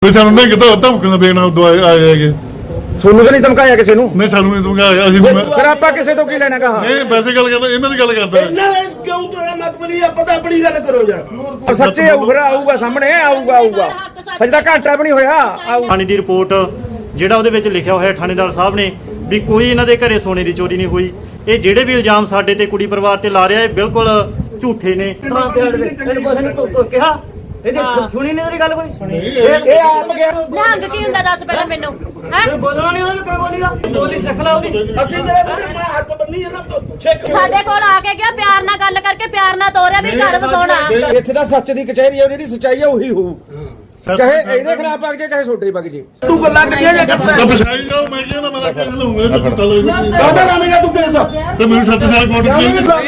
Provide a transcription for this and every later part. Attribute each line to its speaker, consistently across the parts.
Speaker 1: ਸਾਨੂੰ ਨਹੀਂ ਕਿਤਾ ਧਮਕੀਆਂ ਦੇਣਾ ਆਏ ਹੈਗੇ।
Speaker 2: ਤੁਹਾਨੂੰ ਤਾਂ ਨਹੀਂ ਧਮਕਾਇਆ ਕਿਸੇ ਨੂੰ?
Speaker 1: ਨਹੀਂ ਸਾਨੂੰ ਨਹੀਂ ਧਮਕਾਇਆ। ਅਸੀਂ
Speaker 2: ਫਿਰ ਆਪਾਂ ਕਿਸੇ ਤੋਂ ਕੀ ਲੈਣਾ ਕਹਾ?
Speaker 1: ਨਹੀਂ ਵੈਸੇ ਗੱਲ ਕਰਦਾ, ਇਹਨਾਂ ਦੀ ਗੱਲ ਕਰਦਾ।
Speaker 3: ਇਹਨਾਂ ਨੇ ਕਿਉਂ ਤੇਰਾ ਮਤਲਬ ਨਹੀਂ ਪਤਾ, ਆਪਣੀ ਗੱਲ ਕਰੋ ਯਾਰ।
Speaker 2: ਸੱਚੇ ਆਊਗਾ ਸਾਹਮਣੇ, ਆਊਗਾ ਹਜੇ ਤਾਂ ਘੰਟਾ ਵੀ ਨਹੀਂ ਹੋਇਆ।
Speaker 4: ਥਾਣੇ ਦੀ ਰਿਪੋਰਟ ਜਿਹੜਾ ਉਹਦੇ ਵਿੱਚ ਲਿਖਿਆ ਹੋਇਆ ਥਾਣੇਦਾਰ ਸਾਹਿਬ ਨੇ ਵੀ ਕੋਈ ਇਹਨਾਂ ਦੇ ਘਰੇ ਸੋਨੇ ਦੀ ਚੋਰੀ ਨਹੀਂ ਹੋਈ। ਇਹ ਜਿਹੜੇ ਵੀ ਇਲਜ਼ਾਮ ਸਾਡੇ ਤੇ ਕੁੜੀ ਪਰਿਵਾਰ ਤੇ ਲਾ ਰਿਹਾ ਇਹ ਬਿਲਕੁਲ ਝੂਠੇ ਨੇ।
Speaker 5: ਸੁਣੀ ਨਹੀਂ ਤੇਰੀ ਗੱਲ ਕੋਈ? ਸੁਣੀ
Speaker 2: ਇਹ ਆਪ ਗਿਆ।
Speaker 6: ਨਿਹੰਗ ਕੀ ਹੁੰਦਾ ਦੱਸ ਪਹਿਲਾਂ ਮੈਨੂੰ। ਹੈ
Speaker 5: ਬੋਲਣਾ ਨਹੀਂ ਉਹਨੇ, ਕਿਉਂ ਬੋਲੀਗਾ? ਬੋਲੀ ਸਿੱਖ ਲੈ ਉਹਦੀ।
Speaker 3: ਅਸੀਂ ਤੇਰੇ ਮੂਹਰੇ ਮੈਂ ਹੱਥ ਬੰਨੀ ਇਹਨਾਂ ਤੋਂ ਛੇਕ
Speaker 6: ਸਾਡੇ ਕੋਲ ਆ ਕੇ ਗਿਆ, ਪਿਆਰ ਨਾਲ ਗੱਲ ਕਰਕੇ ਪਿਆਰ ਨਾਲ ਤੋਰਿਆ ਵੀ ਘਰ ਵਸਾਉਣਾ।
Speaker 2: ਇੱਥੇ ਤਾਂ ਸੱਚ ਦੀ ਕਚਹਿਰੀ ਹੈ, ਜਿਹੜੀ ਸੱਚਾਈ ਹੈ ਉਹੀ ਹੋਊ। ਚਾਹੇ ਇਹਦੇ ਖਿਲਾਫ ਵਗ ਜੇ ਚਾਹੇ ਛੋਟੇ ਵਗ ਜੇ।
Speaker 3: ਤੂੰ ਗੱਲਾਂ ਕਿਹੜੀਆਂ ਜੇ ਕਰਦਾ
Speaker 1: ਤਾਂ ਪਛਾਈ ਜਾਓ। ਮੈਂ ਕਿਹਾ ਨਾ ਮੈਂ ਕੇਸ ਲਊਂਗਾ ਤੇ ਚੁੱਟਾ ਲੈ
Speaker 3: ਕਾਹਦਾ ਲਾਵੇਂਗਾ ਤੂੰ ਕੇਸ?
Speaker 1: ਤੇ ਮੈਨੂੰ 7 ਸਾਲ ਕੋਰਟ ਚ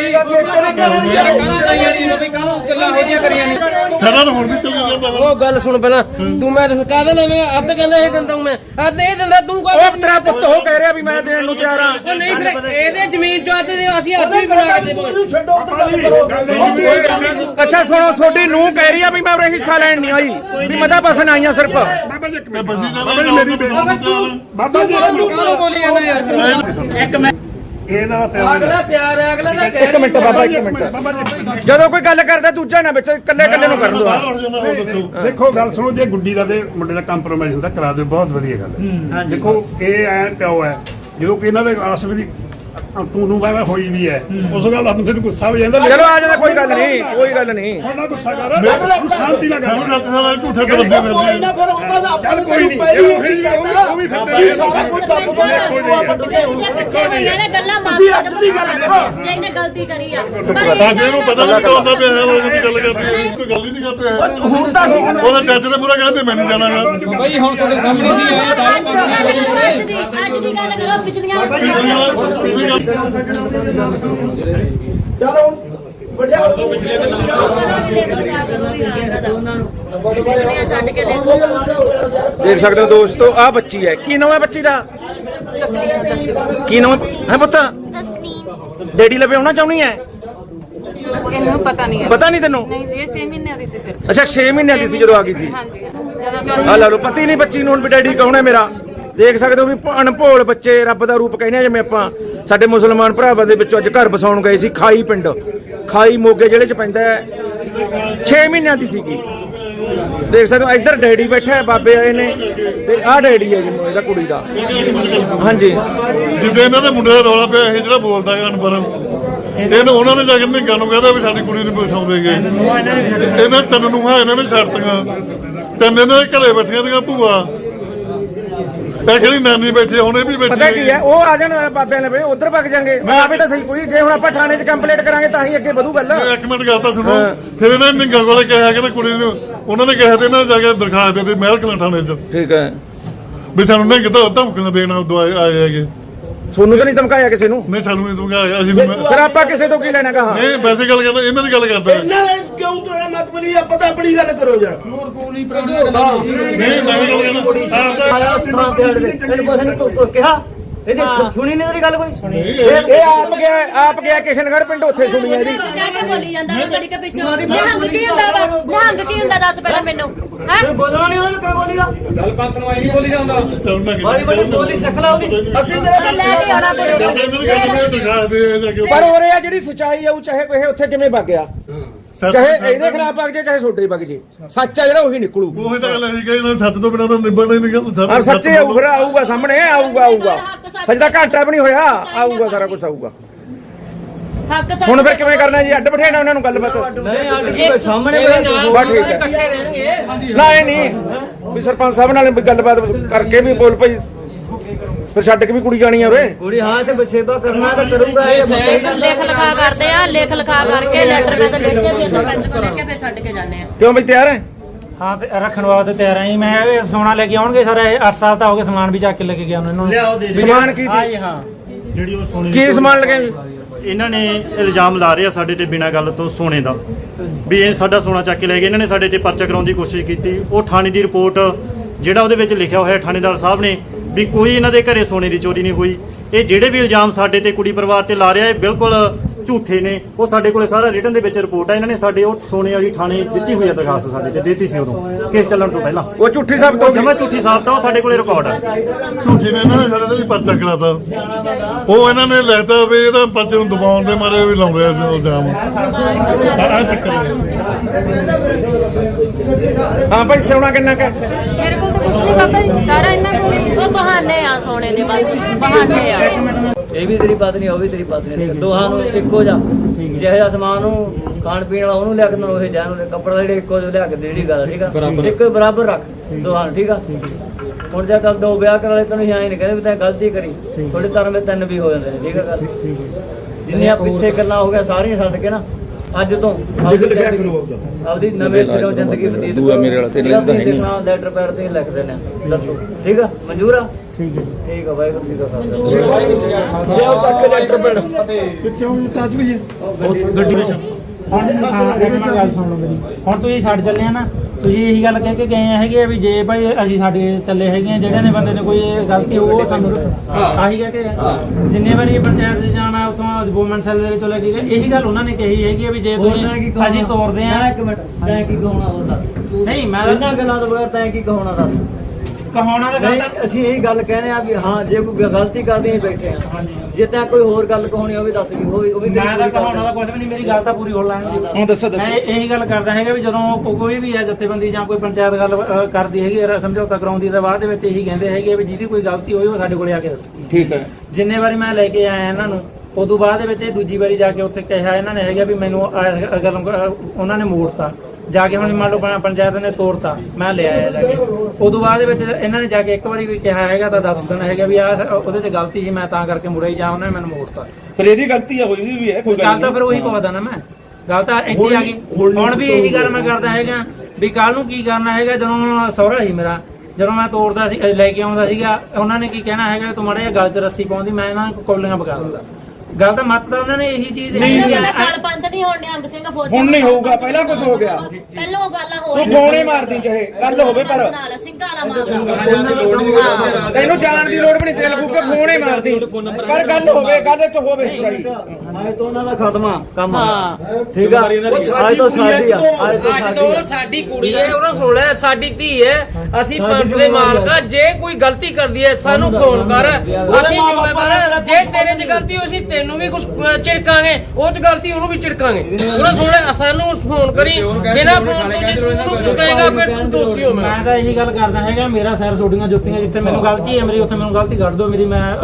Speaker 1: ਸਾਡਾ ਹੁਣ ਵੀ ਚੱਲੀ ਜਾਂਦਾ ਵਾ।
Speaker 7: ਉਹ ਗੱਲ ਸੁਣ ਪਹਿਲਾਂ ਤੂੰ ਮੈਂ ਕਾਹਦੇ ਲਈ ਮੈਂ ਅੱਧ ਕਹਿੰਦਾ ਇਹ ਦਿੰਦਾ ਮੈਂ ਅੱਧ ਇਹ ਦਿੰਦਾ ਤੂੰ
Speaker 2: ਉਹ ਤੇਰਾ ਪੁੱਤ ਉਹ ਕਹਿ ਰਿਹਾ ਵੀ ਮੈਂ ਦੇਣ ਨੂੰ ਤਿਆਰ ਆ।
Speaker 7: ਉਹ ਨਹੀਂ ਫਿਰ ਇਹਦੇ ਜ਼ਮੀਨ ਚੋਂ ਅੱਧ ਦੇ ਅਸੀਂ ਅੱਧ ਵੀ ਬਣਾ ਕੇ ਦੇਵਾਂਗੇ।
Speaker 3: ਛੱਡੋ ਤੇ ਗੱਲ ਕਰੋ।
Speaker 2: ਅੱਛਾ ਸੁਣੋ, ਤੁਹਾਡੀ ਨੂੰਹ ਕਹਿ ਰਹੀ ਆ ਵੀ ਮੈਂ ਉਰੇ ਹਿੱਸਾ ਲੈਣ ਨਹੀਂ ਆਈ, ਵੀ ਮੈਂ ਤਾਂ ਬਸਣ ਆਈ ਆ ਸਿਰਫ।
Speaker 1: ਮੈਂ ਬਸੀ ਜਾਣਾ ਮੇਰੀ
Speaker 3: ਬਾਬਾ ਜੀ
Speaker 7: ਬੋਲੀ ਜਾਂਦਾ ਯਾਰ ਅਗਲਾ ਤਿਆਰ ਹੈ, ਅਗਲਾ ਤਾਂ ਕਹਿ
Speaker 2: ਇੱਕ ਮਿੰਟ ਬਾਬਾ, ਇੱਕ ਮਿੰਟ। ਜਦੋਂ ਕੋਈ ਗੱਲ ਕਰਦਾ ਦੂਜਾ ਨਾ ਵਿੱਚ ਇਕੱਲੇ ਨੂੰ ਕਰਨ ਦੋ।
Speaker 8: ਦੇਖੋ ਗੱਲ ਸੁਣੋ, ਜੇ ਗੁੱਡੀ ਦਾ ਤੇ ਮੁੰਡੇ ਦਾ ਕੰਪਰੋਮਾਈਜ਼ ਹੁੰਦਾ ਕਰਾ ਦਿਓ, ਬਹੁਤ ਵਧੀਆ ਗੱਲ ਹੈ। ਦੇਖੋ ਇਹ ਐ ਪਿਓ ਹੈ, ਜਦੋਂ ਕਿ ਇਹਨਾਂ ਦੇ ਆਸ ਵਿੱਚ ਤੂੰ ਨੂੰ ਬਾਬਾ ਹੋਈ ਵੀ ਹੈ, ਉਸ ਗੱਲ ਦਾ ਬੰਦੇ ਨੂੰ ਗੁੱਸਾ ਹੋ ਜਾਂਦਾ।
Speaker 2: ਚਲੋ ਆ ਜਾਂਦਾ, ਕੋਈ ਗੱਲ ਨਹੀਂ, ਕੋਈ ਗੱਲ ਨਹੀਂ।
Speaker 8: ਹੁਣ ਨਾ ਗੁੱਸਾ ਕਰ, ਸ਼ਾਂਤੀ ਨਾਲ
Speaker 1: ਸਾਨੂੰ
Speaker 8: ਕਰ।
Speaker 1: 7 ਸਾਲ ਝੂਠੇ ਤੇ ਬੰਦੇ
Speaker 3: ਕੋਈ
Speaker 1: ਮਿਲਦੇ
Speaker 3: ਨਾ ਫਿਰ ਉਹਨਾਂ ਦਾ ਆਪਾਂ
Speaker 8: ਕੋਈ
Speaker 3: ਕੋਈ
Speaker 8: ਨਹੀਂ,
Speaker 3: ਪਹਿਲੀ
Speaker 8: ਉਹ
Speaker 3: ਚੀਜ਼
Speaker 8: ਵੀ
Speaker 3: ਕਹਿੰਦਾ
Speaker 8: ਫਿਰ
Speaker 3: ਸਾਰਾ ਕੁਝ ਦੱਬ ਕੇ ਫੱਟ ਕੇ
Speaker 6: ਜੇ ਪਿੱਛੇ ਹੋਈਆਂ ਨੇ ਗੱਲਾਂ
Speaker 3: ਤੁਸੀਂ ਅੱਜ ਦੀ ਗੱਲ ਕਰੋ।
Speaker 6: ਜੇ ਇਹਨੇ ਗਲਤੀ ਕਰੀ ਆ
Speaker 1: ਤਾਂ ਜੇ ਇਹਨੂੰ ਪਤਾ ਨਹੀਂ ਹੁੰਦਾ ਪਿਆ ਹੈ ਉਹ ਗੱਲ ਕਰਦੀ ਹੈ, ਕੋਈ ਗੱਲ ਹੀ ਨਹੀਂ ਕਰਦੇ ਹੈ।
Speaker 3: ਹੁਣ ਤਾਂ ਅਸੀਂ
Speaker 1: ਉਹਦਾ ਚਾਚੇ ਦੇ ਪੂਰਾ ਕਹਿੰਦੇ ਮੈਂ ਨਹੀਂ ਜਾਣਾ ਯਾਰ।
Speaker 7: ਬਈ ਹੁਣ ਤੁਹਾਡੇ ਸਾਹਮਣੇ ਦੀ ਆਇਆ
Speaker 6: ਅੱਜ ਦੀ ਗੱਲ ਕਰੋ, ਪਿਛਲੀਆਂ
Speaker 3: ਚਲੋ ਵੱਡਿਆ
Speaker 6: ਪਿਛਲੀਆਂ ਛੱਡ ਕੇ ਦੇਖੋ।
Speaker 2: ਦੇਖ ਸਕਦੇ ਹੋ ਦੋਸਤੋ, ਆ ਬੱਚੀ ਹੈ। ਕੀ ਨਾਮ ਹੈ ਬੱਚੀ ਦਾ? ਕੀ ਨਾਮ ਹੈ ਪੁੱਤ? ਡੈਡੀ ਲਵੇ ਆਉਣਾ ਚਾਹੁੰਦੀ ਹੈ?
Speaker 9: ਇਹਨੂੰ ਪਤਾ ਨਹੀਂ ਹੈ।
Speaker 6: ਪਤਾ
Speaker 2: ਨਹੀਂ ਤੈਨੂੰ?
Speaker 9: ਨਹੀਂ ਇਹ 6 ਮਹੀਨਿਆਂ ਦੀ ਸੀ ਸਿਰਫ।
Speaker 2: ਅੱਛਾ 6 ਮਹੀਨਿਆਂ ਦੀ ਸੀ ਜਦੋਂ ਆ ਗਈ ਸੀ।
Speaker 9: ਹਾਂਜੀ ਜਦੋਂ
Speaker 2: ਆ ਲਾ ਲਓ, ਪਤੀ ਨਹੀਂ ਬੱਚੀ ਨੂੰ ਹੁਣ ਵੀ ਡੈਡੀ ਕੌਣ ਹੈ ਮੇਰਾ। ਦੇਖ ਸਕਦੇ ਹੋ ਵੀ ਅਣਭੋਲ ਬੱਚੇ ਰੱਬ ਦਾ ਰੂਪ ਕਹਿੰਦੇ ਆ। ਜਿਵੇਂ ਆਪਾਂ ਸਾਡੇ ਮੁਸਲਮਾਨ ਭਰਾਵਾਂ ਦੇ ਵਿੱਚੋਂ ਅੱਜ ਘਰ ਵਸਾਉਣ ਗਏ ਸੀ, ਖਾਈ ਪਿੰਡ, ਖਾਈ ਮੋਗੇ ਜ਼ਿਲ੍ਹੇ 'ਚ ਪੈਂਦਾ ਹੈ। 6 ਮਹੀਨਿਆਂ ਦੀ ਸੀਗੀ। ਦੇਖ ਸਕਦੇ ਹੋ ਇੱਧਰ ਡੈਡੀ ਬੈਠਾ ਹੈ, ਬਾਬੇ ਆਏ ਨੇ, ਤੇ ਆਹ ਡੈਡੀ ਹੈ ਜਿਹਨੂੰ ਇਹਦਾ ਕੁੜੀ ਦਾ। ਹਾਂਜੀ
Speaker 1: ਜਿੱਦੇ ਇਹਨਾਂ ਦੇ ਮੁੰਡੇ ਦਾ ਰੌਲਾ ਪਿਆ, ਇਹ ਜਿਹੜਾ ਬੋਲਦਾ ਹੈ ਅਨਪੜ੍ਹ, ਇਹਨੂੰ ਉਹਨਾਂ ਨੇ ਜਾ ਕੇ ਨਿੱਘਾ ਨੂੰ ਕਹਿੰਦਾ ਵੀ ਸਾਡੀ ਕੁੜੀ ਨੂੰ ਬਸਾਉਂਦੇਗੇ। ਇਹਨਾਂ ਤਿੰਨ ਨੂੰਹਾਂ ਇਹਨਾਂ ਨੇ ਛੱਡਤੀਆਂ, ਤਿੰਨ ਇਹਨਾਂ ਦੇ ਘਰੇ ਬੈਠੀਆਂ ਦੀਆਂ ਭੂਆ, ਇਹ ਕਿਹੜੀ ਨਾਨੀ ਬੈਠੀ, ਹੁਣ ਇਹ ਵੀ ਬੈਠੀ।
Speaker 2: ਪਤਾ ਕੀ ਹੈ, ਉਹ ਆ ਜਾਣ ਬਾਬਿਆਂ ਲਵੇ, ਉਧਰ ਵਗ ਜਾਣਗੇ। ਆਵੇ ਤਾਂ ਸਹੀ ਕੋਈ, ਜੇ ਹੁਣ ਆਪਾਂ ਥਾਣੇ 'ਚ ਕੰਪਲੇਂਟ ਕਰਾਂਗੇ ਤਾਂ ਹੀ ਅੱਗੇ ਵਧੂ ਗੱਲ।
Speaker 1: ਇੱਕ ਮਿੰਟ ਗੱਲ ਤਾਂ ਸੁਣੋ। ਫਿਰ ਇਹਨਾਂ ਨੇ ਨਿੱਘਾ ਕੋਲੇ ਕਿਹਾ ਕਿ ਕੁੜੀ ਨੂੰ, ਉਹਨਾਂ ਨੇ ਕਿਹਾ ਤੇ ਇਹਨਾਂ ਜਾ ਕੇ ਦਰਖਾਸਤ ਦੇ ਮਹਿਲ ਕਲਾਂ ਥਾਣੇ 'ਚ
Speaker 2: ਠੀਕ ਹੈ
Speaker 1: ਵੀ ਸਾਨੂੰ ਨਹੀਂ ਕਿਤਾ ਧਮਕੀਆਂ ਦੇਣਾ ਆਏ ਹੈਗੇ।
Speaker 2: ਤੁਹਾਨੂੰ ਤਾਂ ਨਹੀਂ ਧਮਕਾਇਆ ਕਿਸੇ ਨੂੰ?
Speaker 1: ਨਹੀਂ ਸਾਨੂੰ ਨਹੀਂ ਧਮਕਾਇਆ। ਅਸੀਂ
Speaker 2: ਫਿਰ ਆਪਾਂ ਕਿਸੇ ਤੋਂ ਕੀ ਲੈਣਾ ਕਹਾ?
Speaker 1: ਨਹੀਂ ਵੈਸੇ ਗੱਲ ਕਰਦਾ, ਇਹਨਾਂ ਦੀ ਗੱਲ ਕਰਦਾ।
Speaker 3: ਇਹਨਾਂ ਨੇ ਕਿਉਂ ਤੇਰਾ ਮਤਲਬ ਨਹੀਂ ਪਤਾ, ਆਪਣੀ ਗੱਲ ਕਰੋ ਯਾਰ।
Speaker 1: ਨਹੀਂ ਮੈਂ ਗੱਲ ਕਰਦਾ।
Speaker 5: ਆਇਆ ਉਸ ਥਾਂ ਤੇ ਅੜ ਦੇ ਤੈਨੂੰ ਕੁਛ ਨਹੀਂ ਕਿਹਾ? ਇਹਦੀ ਸੁਣੀ ਨਹੀਂ ਤੇਰੀ ਗੱਲ ਕੋਈ? ਸੁਣੀ
Speaker 2: ਇਹ ਆਪ ਗਿਆ ਕਿਸ਼ਨਗੜ੍ਹ ਪਿੰਡ, ਉੱਥੇ ਸੁਣੀ ਹੈ ਇਹਦੀ।
Speaker 6: ਜਾ ਕੇ ਬੋਲੀ ਜਾਂਦਾ ਵਾ ਘੜੀ ਕੇ ਪਿੱਛੋਂ। ਨਿਹੰਗ ਕੀ ਹੁੰਦਾ ਵਾ? ਨਿਹੰਗ ਕੀ ਹੁੰਦਾ ਦੱਸ ਪਹਿਲਾਂ ਮੈਨੂੰ। ਹੈ
Speaker 5: ਬੋਲਣਾ ਨਹੀਂ ਉਹਨੇ, ਕਿਉਂ ਬੋਲੀਗਾ?
Speaker 7: ਗੱਲ ਪੰਥ ਨੂੰ ਆਈ ਨਹੀਂ ਬੋਲੀ ਜਾਂਦਾ।
Speaker 5: ਬੜੀ ਬੜੀ ਬੋਲੀ ਸਿੱਖ ਲੈ ਉਹਦੀ।
Speaker 3: ਅਸੀਂ ਤੇਰੇ
Speaker 6: ਲੈ ਕੇ ਆਉਣਾ ਕੁੜੀ ਨੂੰ।
Speaker 1: ਦਰਖਾਸਤ ਦੇ ਜਾ ਕੇ
Speaker 2: ਪਰ ਉਰੇ ਆ ਜਿਹੜੀ ਸਚਾਈ ਆਉ, ਚਾਹੇ ਕੋਈ ਉੱਥੇ ਕਿਵੇਂ ਵਗ ਗਿਆ, ਚਾਹੇ ਇਹਦੇ ਖਿਲਾਫ ਵਗ ਜੇ ਚਾਹੇ ਛੋਟੇ ਵਗ ਜੇ, ਸੱਚ ਆ ਜਿਹੜਾ ਉਹੀ ਨਿਕਲੂ।
Speaker 1: ਉਹੀ ਤਾਂ ਗੱਲ ਹੈ ਕਿ ਇਹਨਾਂ ਸੱਚ ਤੋਂ ਬਿਨਾਂ ਤਾਂ ਨਿਬੜਨਾ ਹੀ ਨਹੀਂ ਗੱਲ।
Speaker 2: ਹਾਂ ਸੱਚੇ ਆਊ, ਫਿਰ ਆਊਗਾ ਸਾਹਮਣੇ, ਆਊਗਾ ਹਜੇ ਤਾਂ ਘੰਟਾ ਵੀ ਨਹੀਂ ਹੋਇਆ, ਆਊਗਾ ਸਾਰਾ ਕੁਝ ਆਊਗਾ।
Speaker 6: ਹੱਕ
Speaker 2: ਹੁਣ ਫਿਰ ਕਿਵੇਂ ਕਰਨਾ ਜੀ? ਅੱਡ ਬਿਠਾਣਾ ਉਹਨਾਂ ਨੂੰ ਗੱਲਬਾਤ?
Speaker 5: ਨਹੀਂ ਅੱਜ ਸਾਹਮਣੇ
Speaker 2: ਬਸ ਠੀਕ ਹੈ।
Speaker 7: ਇਕੱਠੇ ਰਹਿਣਗੇ।
Speaker 2: ਨਾ ਇਹ ਨਹੀਂ ਵੀ ਸਰਪੰਚ ਸਾਹਿਬ ਨਾਲ ਵੀ ਗੱਲਬਾਤ ਕਰਕੇ ਵੀ ਬੋਲ ਭਾਈ, ਫਿਰ ਛੱਡ ਕੇ ਵੀ ਕੁੜੀ ਜਾਣੀ ਆ ਉਰੇ।
Speaker 5: ਕੁੜੀ ਹਾਂ ਤੇ ਬਛੇਬਾ ਕਰਨਾ ਤਾਂ ਕਰੂਗਾ।
Speaker 6: ਲੇਖ ਲਿਖਾ ਕਰਦੇ ਆ, ਲੇਖ ਲਿਖਾ ਕਰਕੇ ਲੈਟਰ ਲਿਖ ਕੇ ਫਿਰ ਸਰਪੰਚ ਕੋਲ ਲੈ ਕੇ ਫਿਰ ਛੱਡ ਕੇ ਜਾਂਦੇ ਆ।
Speaker 2: ਕਿਉਂ ਬਈ ਤਿਆਰ ਹੈ?
Speaker 10: ਹਾਂ ਤੇ ਰੱਖਣ ਵਾਸਤੇ ਤਿਆਰ ਆਂ ਜੀ। ਮੈਂ ਸੋਨਾ ਲੈ ਕੇ ਆਉਣਗੇ ਸਰ, 8 ਸਾਲ ਤਾਂ ਹੋ ਗਏ, ਸਮਾਨ ਵੀ ਚੱਕ ਕੇ ਲੈ ਕੇ ਗਿਆ ਉਹਨਾਂ ਨੂੰ।
Speaker 2: ਸਮਾਨ ਕੀ
Speaker 10: ਹਾਂ ਜੀ, ਹਾਂ
Speaker 4: ਜਿਹੜੀ ਉਹ ਸੋਨੇ
Speaker 2: ਕੀ ਸਮਾਨ ਲਗੇ?
Speaker 4: ਇਹਨਾਂ ਨੇ ਇਲਜ਼ਾਮ ਲਾ ਰਹੇ ਆ ਸਾਡੇ ਤੇ ਬਿਨਾਂ ਗੱਲ ਤੋਂ ਸੋਨੇ ਦਾ, ਵੀ ਇਹ ਸਾਡਾ ਸੋਨਾ ਚੱਕ ਕੇ ਲੈ ਗਏ। ਇਹਨਾਂ ਨੇ ਸਾਡੇ ਤੇ ਪਰਚਾ ਕਰਾਉਣ ਦੀ ਕੋਸ਼ਿਸ਼ ਕੀਤੀ। ਉਹ ਥਾਣੇ ਦੀ ਰਿਪੋਰਟ ਜਿਹੜਾ ਉਹਦੇ ਵਿੱਚ ਲਿਖਿਆ ਹੋਇਆ ਥਾਣੇਦਾਰ ਸਾਹਿਬ ਨੇ ਵੀ ਕੋਈ ਇਹਨਾਂ ਦੇ ਘਰੇ ਸੋਨੇ ਦੀ ਚੋਰੀ ਨਹੀਂ ਹੋਈ। ਇਹ ਜਿਹੜੇ ਵੀ ਇਲਜ਼ਾਮ ਸਾਡੇ ਤੇ ਕੁੜੀ ਪਰਿਵਾਰ ਤੇ ਲਾ ਰਿਹਾ ਇਹ ਬਿਲਕੁਲ ਝੂਠੇ ਨੇ। ਉਹ ਸਾਡੇ ਕੋਲੇ ਸਾਰਾ ਰਿਟਨ ਦੇ ਵਿੱਚ ਰਿਪੋਰਟ ਆ। ਇਹਨਾਂ ਨੇ ਸਾਡੇ ਉਹ ਸੋਨੇ ਵਾਲੀ ਥਾਣੇ ਦਿੱਤੀ ਹੋਈ ਆ ਦਰਖਾਸਤ, ਸਾਡੇ ਤੇ ਦਿੱਤੀ ਸੀ ਉਦੋਂ ਕੇਸ ਚੱਲਣ ਤੋਂ ਪਹਿਲਾਂ।
Speaker 2: ਉਹ ਝੂਠੀ ਸਾਬਤ ਹੋ ਗਈ।
Speaker 4: ਜਮਾ ਝੂਠੀ ਸਾਬਤ ਆ, ਉਹ ਸਾਡੇ ਕੋਲੇ ਰਿਕਾਰਡ ਆ।
Speaker 1: ਝੂਠੀ ਨੇ ਇਹਨਾਂ ਨੇ ਸਾਡੇ ਤੇ ਵੀ ਪਰਚਾ ਕਰਾਤਾ। ਉਹ ਇਹਨਾਂ ਨੇ ਲਿਖਤਾ ਵੀ ਇਹਦਾ ਪਰਚੇ ਨੂੰ ਦਬਾਉਣ ਦੇ ਮਾਰੇ ਵੀ ਲਾਉਂਦੇ ਆ ਇਲਜ਼ਾਮ। ਆ ਚੱਕਰ ਹੈ।
Speaker 2: ਹਾਂ ਭਾਈ ਸੋਨਾ ਕਿੰਨਾ ਕੁ?
Speaker 9: ਮੇਰੇ ਕੋਲ ਤਾਂ ਕੁਝ ਨਹੀਂ ਬਾਬਾ ਜੀ, ਸਾਰਾ ਇਹਨਾਂ ਕੋਲ ਹੀ।
Speaker 6: ਉਹ ਬਹਾਨੇ ਆ ਸੋਨੇ ਦੇ, ਬਸ ਬਹਾਨੇ ਆ।
Speaker 5: ਇਹ ਵੀ ਤੇਰੀ ਪਤਨੀ, ਉਹ ਵੀ ਤੇਰੀ ਪਤਨੀ, ਦੋਹਾਂ ਨੂੰ ਇੱਕੋ ਜਿਹਾ ਜਿਹੋ ਜਿਹਾ ਸਮਾਨ ਨੂੰ ਖਾਣ ਪੀਣ ਵਾਲਾ ਉਹਨੂੰ ਲਿਆ ਕੇ ਉਹ ਜਿਹਾ ਨੂੰ ਕੱਪੜਾ ਜਿਹੜੇ ਇੱਕੋ ਜਿਹਾ ਲਿਆ ਕੇ ਦੇ ਜਿਹੜੀ ਗੱਲ, ਠੀਕ ਆ, ਇੱਕ ਬਰਾਬਰ ਰੱਖ ਦੋਹਾਂ ਨੂੰ, ਠੀਕ ਆ। ਹੁਣ ਜੇ ਕੱਲ ਦੋ ਵਿਆਹ ਕਰਾ ਲੈ ਤੈਨੂੰ ਐਂ ਨਹੀਂ ਕਹਿੰਦੇ ਵੀ ਤੈਂ ਗਲਤੀ ਕਰੀ, ਥੋੜੇ ਧਰਮ ਵਿੱਚ ਤਿੰਨ ਵੀ ਹੋ ਜਾਂਦੇ ਨੇ, ਠੀਕ ਆ ਗੱਲ। ਜਿੰਨੀਆਂ ਪਿੱਛੇ ਗੱਲਾਂ ਹੋ ਗਿਆ ਸਾਰੀਆਂ ਛੱਡ ਕੇ ਨਾ ਅੱਜ ਤੋਂ ਆਪਦੀ ਨਵੇਂ ਸਿਰੋਂ ਜ਼ਿੰਦਗੀ ਬਤੀਤ ਕਰੋ। ਮੇਰੇ ਵਾਲਾ ਤੇ ਲਿਖਣਾ ਲੈਟਰ ਪੈਡ ਤੇ ਲਿਖ ਦੇਣਾ, ਦੱਸੋ ਠੀਕ ਆ, ਮਨਜ਼ੂਰ ਆ? ਠੀਕ ਆ, ਵਾਹਿਗੁਰੂ ਜੀ ਦਾ ਖਾਲਸਾ।
Speaker 3: ਲਿਆਓ ਚੱਕ ਕੇ ਲੈਟਰ ਪੈਡ ਕਿੱਥੇ ਉਹ ਟੱਚ ਵੀ
Speaker 4: ਗੱਡੀ ਵਿੱਚ
Speaker 10: ਹੁਣ ਗੱਲ ਸੁਣ ਲਓ ਮੇਰੀ। ਹੁਣ ਤੁਸੀਂ ਛੱਡ ਚੱਲੇ ਆ ਨਾ, ਤੁਸੀਂ ਇਹੀ ਗੱਲ ਕਹਿ ਕੇ ਗਏ ਹੈਗੇ ਆ ਵੀ ਜੇ ਭਾਈ ਅਸੀਂ ਸਾਡੇ ਚੱਲੇ ਹੈਗੇ ਆ, ਜਿਹੜੇ ਨੇ ਬੰਦੇ ਨੇ ਕੋਈ ਗਲਤੀ ਹੋਊ ਉਹ ਸਾਨੂੰ ਆਹੀ ਕਹਿ ਕੇ ਜਿੰਨੇ ਵਾਰੀ ਪੰਚਾਇਤ ਦੇ ਜਾਣਾ ਉੱਥੋਂ ਗਵਰਨਮੈਂਟ ਸੈਲ ਦੇ ਵਿੱਚੋਂ ਲੈ ਕੇ ਗਏ, ਇਹੀ ਗੱਲ ਉਹਨਾਂ ਨੇ ਕਹੀ ਹੈਗੀ ਆ ਵੀ ਜੇ ਤੁਸੀਂ ਅਸੀਂ ਤੋਰਦੇ ਆ।
Speaker 5: ਇੱਕ ਮਿੰਟ, ਤੈਂ ਕੀ ਕਹਾਉਣਾ ਹੁੰਦਾ?
Speaker 10: ਨਹੀਂ ਮੈਂ
Speaker 5: ਇਹਨਾਂ ਗੱਲਾਂ ਤੋਂ ਬਗੈਰ ਤੈਂ ਕੀ ਕਹਾਉਣਾ ਦੱਸ?
Speaker 10: ਕਹਾਉਣਾ ਤਾਂ
Speaker 5: ਨਹੀਂ,
Speaker 10: ਗੱਲ
Speaker 5: ਅਸੀਂ ਇਹੀ ਗੱਲ ਕਹਿੰਦੇ ਆ ਵੀ ਹਾਂ ਜੇ ਕੋਈ ਗਲਤੀ ਕਰਦੇ ਹੀ ਬੈਠੇ ਆ, ਜੇ ਤੈਂ ਕੋਈ ਹੋਰ ਗੱਲ ਕਹਾਉਣੀ ਉਹ ਵੀ ਦੱਸ ਵੀ ਹੋਈ, ਉਹ ਵੀ
Speaker 10: ਮੈਂ ਤਾਂ ਕਹਾਉਣਾ ਦਾ ਕੁਝ ਵੀ ਨਹੀਂ, ਮੇਰੀ ਗੱਲ ਤਾਂ ਪੂਰੀ ਹੋ ਲੈਣ।
Speaker 2: ਹੁਣ ਦੱਸੋ
Speaker 10: ਮੈਂ ਇਹੀ ਗੱਲ ਕਰਦਾ ਹੈਗਾ ਵੀ ਜਦੋਂ ਕੋਈ ਵੀ ਹੈ ਜਥੇਬੰਦੀ ਜਾਂ ਕੋਈ ਪੰਚਾਇਤ ਗੱਲ ਕਰਦੀ ਹੈਗੀ ਸਮਝੌਤਾ ਕਰਾਉਂਦੀ ਤਾਂ ਬਾਅਦ ਦੇ ਵਿੱਚ ਇਹੀ ਕਹਿੰਦੇ ਹੈਗੇ ਵੀ ਜਿਹਦੀ ਕੋਈ ਗਲਤੀ ਹੋਈ ਉਹ ਸਾਡੇ ਕੋਲੇ ਆ ਕੇ ਦੱਸੇ।
Speaker 2: ਠੀਕ ਹੈ।
Speaker 10: ਜਿੰਨੇ ਵਾਰੀ ਮੈਂ ਲੈ ਕੇ ਆਇਆ ਇਹਨਾਂ ਨੂੰ, ਉਦੋਂ ਬਾਅਦ ਦੇ ਵਿੱਚ ਇਹ ਦੂਜੀ ਵਾਰੀ ਜਾ ਕੇ ਉੱਥੇ ਕਿਹਾ ਇਹਨਾਂ ਨੇ ਹੈਗਾ ਵੀ ਮੈਨੂੰ ਗੱਲ ਉਹਨਾਂ ਨੇ ਮੋੜਤਾ ਜਾ ਕੇ। ਹੁਣ ਮੰਨ ਲਓ ਪੰਚਾਇਤ ਨੇ ਤੋੜਤਾ, ਮੈਂ ਲੈ ਆਇਆ ਜਾ ਕੇ। ਉਦੋਂ ਬਾਅਦ ਦੇ ਵਿੱਚ ਇਹਨਾਂ ਨੇ ਜਾ ਕੇ ਇੱਕ ਵਾਰੀ ਵੀ ਕਿਹਾ ਹੈਗਾ ਤਾਂ ਦੱਸ ਦੇਣਾ ਹੈਗਾ ਵੀ ਆਹ ਉਹਦੇ 'ਚ ਗਲਤੀ ਸੀ, ਮੈਂ ਤਾਂ ਕਰਕੇ ਮੁੜਿਆ ਹੀ ਜਾਂ ਉਹਨਾਂ ਨੇ ਮੈਨੂੰ ਮੋੜਤਾ।
Speaker 2: ਫਿਰ ਇਹਦੀ ਗਲਤੀ ਆ, ਹੋਈ ਵੀ ਹੈ ਕੋਈ
Speaker 10: ਗੱਲ ਤਾਂ ਫਿਰ ਉਹੀ ਪਵਾਦਾ ਨਾ ਮੈਂ, ਗੱਲ ਤਾਂ ਇੱਥੇ ਆ ਗਈ। ਹੁਣ ਵੀ ਇਹੀ ਗੱਲ ਮੈਂ ਕਰਦਾ ਹੈਗਾ ਵੀ ਕੱਲ ਨੂੰ ਕੀ ਕਰਨਾ ਹੈਗਾ। ਜਦੋਂ ਸਹੁਰਾ ਸੀ ਮੇਰਾ, ਜਦੋਂ ਮੈਂ ਤੋੜਦਾ ਸੀ ਲੈ ਕੇ ਆਉਂਦਾ ਸੀਗਾ, ਉਹਨਾਂ ਨੇ ਕੀ ਕਹਿਣਾ ਹੈਗਾ ਤੂੰ ਮਾੜਾ ਜਿਹਾ ਗਲ 'ਚ ਰੱਸੀ ਪਾਉਂਦੀ, ਮੈਂ ਇਹਨਾਂ ਨੂੰ ਕੌਲੀਆਂ ਪਕਾ ਦਿੰਦਾ। ਗੱਲ ਤਾਂ ਮੱਤ ਤਾਂ ਉਹਨਾਂ ਨੇ ਇਹੀ ਚੀਜ਼
Speaker 6: ਗੱਲ ਪੰਤ ਨਹੀਂ ਹੋਣ ਨਿਹੰਗ ਸਿੰਘ ਫੌਜ
Speaker 2: ਹੁਣ ਨਹੀਂ ਹੋਊਗਾ, ਪਹਿਲਾਂ ਕੁਝ ਹੋ ਗਿਆ।
Speaker 6: ਪਹਿਲੋਂ ਗੱਲ ਹੋ
Speaker 2: ਤੂੰ ਫੋਨੇ ਮਾਰਦੀ ਚਾਹੇ ਗੱਲ ਹੋਵੇ, ਪਰ
Speaker 6: ਸਿੰਘਾਂ ਮਾਰਦਾ
Speaker 2: ਤੈਨੂੰ ਜਾਣ ਦੀ ਲੋੜ ਵੀ ਨਹੀਂ, ਤੇਲ ਫੂਕ ਕੇ ਫੋਨੇ ਮਾਰਦੀ, ਪਰ ਗੱਲ ਹੋਵੇ, ਗੱਲ ਤੇ ਹੋਵੇ ਸੱਚਾਈ।
Speaker 5: ਅੱਜ ਤੋਂ ਉਹਨਾਂ ਦਾ ਖਤਮਾ ਕੰਮ, ਠੀਕ ਆ। ਅੱਜ ਤੋਂ ਸਾਡੀ ਆ, ਅੱਜ ਤੋਂ
Speaker 7: ਸਾਡੀ ਕੁੜੀ ਹੈ, ਉਹਨਾਂ ਸੋਹਣਾ ਸਾਡੀ ਧੀ ਹੈ, ਅਸੀਂ ਪੰਜ ਦੇ ਮਾਲਕ ਆ। ਜੇ ਕੋਈ ਗਲਤੀ ਕਰਦੀ ਹੈ ਸਾਨੂੰ ਫੋਨ ਕਰ, ਅਸੀਂ ਜ਼ਿੰਮੇਵਾਰ ਹਾਂ। ਜੇ ਤੇਰੇ 'ਚ ਗਲਤੀ ਹੋਈ ਸੀ ਤੈਨੂੰ ਵੀ ਕੁਝ ਝਿੜਕਾਂਗੇ, ਉਹ 'ਚ ਗਲਤੀ ਉਹਨੂੰ ਵੀ ਝਿੜਕਾਂਗੇ। ਉਹਨਾਂ ਸੋਹਣਾ ਸਾਨੂੰ ਫੋਨ ਕਰੀ, ਬਿਨਾਂ ਫੋਨ ਤੋਂ ਜੇ ਤੂੰ ਉਹਨੂੰ ਕੁਝ ਕਹੇਗਾ ਫਿਰ ਤੂੰ ਦੋਸ਼ੀ ਹੋ।
Speaker 10: ਮੈਂ ਤਾਂ ਇਹੀ ਗੱਲ ਕਰਦਾ ਹੈਗਾ, ਮੇਰਾ ਸਿਰ ਛੋਡੀਆਂ ਜੁੱਤੀਆਂ, ਜਿੱਥੇ ਮੈਨੂੰ ਗਲਤੀ ਹੈ ਮੇਰੀ ਉੱਥੇ ਮੈਨੂੰ ਗਲਤੀ ਕੱਢ ਦਿਓ ਮੇਰੀ। ਮੈਂ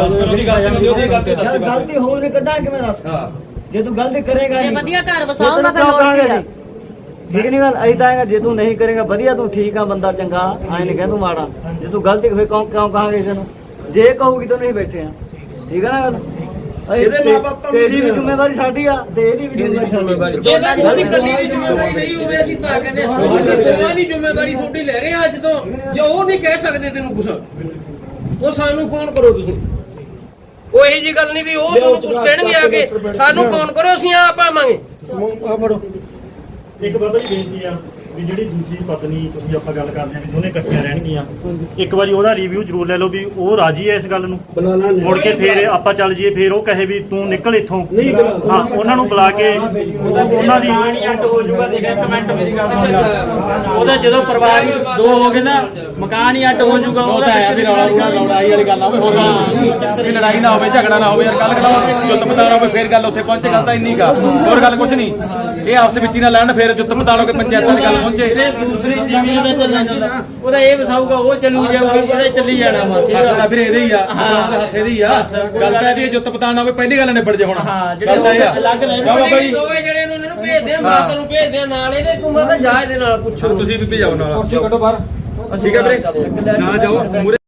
Speaker 5: ਗਲਤੀ ਹੋਰ ਨਹੀਂ ਕੱਢਾਂ ਕਿਵੇਂ ਦੱਸ? ਜੇ ਤੂੰ ਗਲਤੀ ਕਰੇਗਾ
Speaker 6: ਜੇ ਵਧੀਆ ਘਰ ਵਸਾਉਂਦਾ ਫਿਰ ਹੋਰ ਕੀ ਆ?
Speaker 5: ਠੀਕ ਨਹੀਂ ਗੱਲ ਐਦਾਂ ਆਏਗਾ। ਜੇ ਤੂੰ ਨਹੀਂ ਕਰੇਗਾ ਵਧੀਆ, ਤੂੰ ਠੀਕ ਆ ਬੰਦਾ ਚੰਗਾ, ਐ ਨਹੀਂ ਕਹਿ ਤੂੰ ਮਾੜਾ। ਜੇ ਤੂੰ ਗਲਤੀ ਫਿਰ ਕਿਉਂ ਕਹਾਂਗੇ ਕਿਸੇ ਨੂੰ? ਜੇ ਕਹੂਗੀ ਤਾਂ ਨਹੀਂ ਬੈਠੇ ਆ, ਠੀਕ ਆ ਨਾ ਗੱਲ?
Speaker 3: ਇਹਦੇ ਮਾਪੇ
Speaker 5: ਤੇਰੀ ਵੀ ਜ਼ਿੰਮੇਵਾਰੀ ਸਾਡੀ ਆ ਤੇ ਇਹਦੀ ਵੀ ਜ਼ਿੰਮੇਵਾਰੀ।
Speaker 7: ਜੇ ਤਾਂ ਉਹਦੀ ਕੱਲੀ ਦੀ ਜ਼ਿੰਮੇਵਾਰੀ ਨਹੀਂ ਹੋਵੇ, ਅਸੀਂ ਤਾਂ ਕਹਿੰਦੇ ਅਸੀਂ ਦੋਵਾਂ ਦੀ ਜ਼ਿੰਮੇਵਾਰੀ ਤੁਹਾਡੀ ਲੈ ਰਹੇ ਹਾਂ ਅੱਜ ਤੋਂ। ਜੇ ਉਹ ਨਹੀਂ ਕਹਿ ਸਕਦੇ ਤੈਨੂੰ ਕੁਛ, ਉਹ ਸਾਨੂੰ ਫੋਨ ਕਰੋ ਤੁਸੀਂ। ਉਹ ਇਹੋ ਜਿਹੀ ਗੱਲ ਨਹੀਂ ਵੀ ਉਹ ਤੁਹਾਨੂੰ ਕੁਛ ਕਹਿਣਗੇ ਆ ਕੇ, ਸਾਨੂੰ ਫੋਨ ਕਰੋ, ਅਸੀਂ ਆਪ ਆਵਾਂਗੇ।
Speaker 3: ਆ ਫੜੋ।
Speaker 4: ਇੱਕ ਬਾਬਾ ਜੀ ਬੇਨਤੀ ਆ ਵੀ ਜਿਹੜੀ ਦੂਜੀ ਪਤਨੀ ਤੁਸੀਂ ਆਪਾਂ ਗੱਲ ਕਰਦੇ ਆ ਵੀ ਦੋਨੇ ਇਕੱਠੀਆਂ ਰਹਿਣਗੀਆਂ, ਇੱਕ ਵਾਰੀ ਉਹਦਾ ਰਿਵਿਊ ਜ਼ਰੂਰ ਲੈ ਲਓ ਵੀ ਉਹ ਰਾਜੀ ਹੈ ਇਸ ਗੱਲ ਨੂੰ। ਮੁੜ ਕੇ ਫੇਰ ਆਪਾਂ ਚੱਲ ਜੀਏ, ਫੇਰ ਉਹ ਕਹੇ ਵੀ ਤੂੰ ਨਿਕਲ ਇੱਥੋਂ। ਹਾਂ, ਉਹਨਾਂ ਨੂੰ ਬੁਲਾ ਕੇ ਉਹਨਾਂ ਦੀ
Speaker 10: ਅੱਡ ਹੋ ਜਾਊਗਾ। ਦੇਖ ਇੱਕ ਮਿੰਟ ਮੇਰੀ ਗੱਲ ਸੁਣ ਲੈ, ਉਹਦਾ ਜਦੋਂ ਪਰਿਵਾਰ ਦੋ ਹੋ ਗਏ ਨਾ, ਮਕਾਨ ਹੀ ਅੱਡ ਹੋ ਜਾਊਗਾ। ਉਹ ਤਾਂ ਆਇਆ ਵੀ
Speaker 2: ਲੜਾਈ ਵਾਲੀ ਗੱਲ ਆਵੇ, ਹੋਰ ਵੀ ਲੜਾਈ ਨਾ ਹੋਵੇ, ਝਗੜਾ ਨਾ ਹੋਵੇ, ਯਾਰ ਗੱਲ ਕਰਾਓ, ਜੁੱਤ ਪਤਾਣਾ ਹੋਵੇ, ਫੇਰ ਗੱਲ ਉੱਥੇ ਪਹੁੰਚੇ। ਗੱਲ ਤਾਂ ਇੰਨੀ ਕਾ, ਹੋਰ ਗੱਲ ਕੁਛ ਨਹੀਂ। ਇਹ ਆਪਸ ਵਿੱਚ ਹੀ ਨਾ ਲੈਣ, ਫੇਰ ਜੁੱਤ ਪਤਾਣੋਗੇ, ਪੰਚਾਇਤਾਂ ਦੀ ਗੱਲ ਪਹੁੰਚੇ।
Speaker 10: ਦੂਸਰੀ ਜ਼ਮੀਨ ਦਾ ਚੱਲਣਾ ਚਾਹੁੰਦਾ, ਉਹਦਾ ਇਹ ਵਸਾਊਗਾ, ਉਹ ਚੱਲੂ ਜਾਊਗਾ, ਉਹਦੇ ਚੱਲੀ ਜਾਣਾ ਵਾ।
Speaker 2: ਹੱਥ ਦਾ ਫਿਰ ਇਹਦੇ ਹੀ ਆ, ਹੱਥ ਇਹਦੇ ਹੀ ਆ। ਗੱਲ ਤਾਂ ਇਹ ਵੀ ਜੁੱਤ ਪਤਾਣਾ ਹੋਵੇ, ਪਹਿਲੀ ਗੱਲ ਨਿਬੜ ਜੇ। ਹੁਣ ਗੱਲ ਤਾਂ ਇਹ ਆ
Speaker 10: ਅਲੱਗ ਨੇ
Speaker 7: ਦੋਵੇਂ ਜਿਹੜੇ ਨੂੰ ਉਹਨਾਂ ਨੂੰ ਭੇਜਦੇ ਆ, ਮਾਤਾ ਨੂੰ ਭੇਜਦੇ ਆ ਨਾਲ ਇਹਦੇ। ਤੂੰ ਮਾਤਾ ਜਾ ਇਹਦੇ ਨਾਲ ਪੁੱਛੋ,
Speaker 2: ਤੁਸੀਂ ਵੀ ਭਜਾਓ ਨਾਲ। ਠੀਕ ਹੈ ਵੀਰੇ, ਨਾ ਜਾਓ।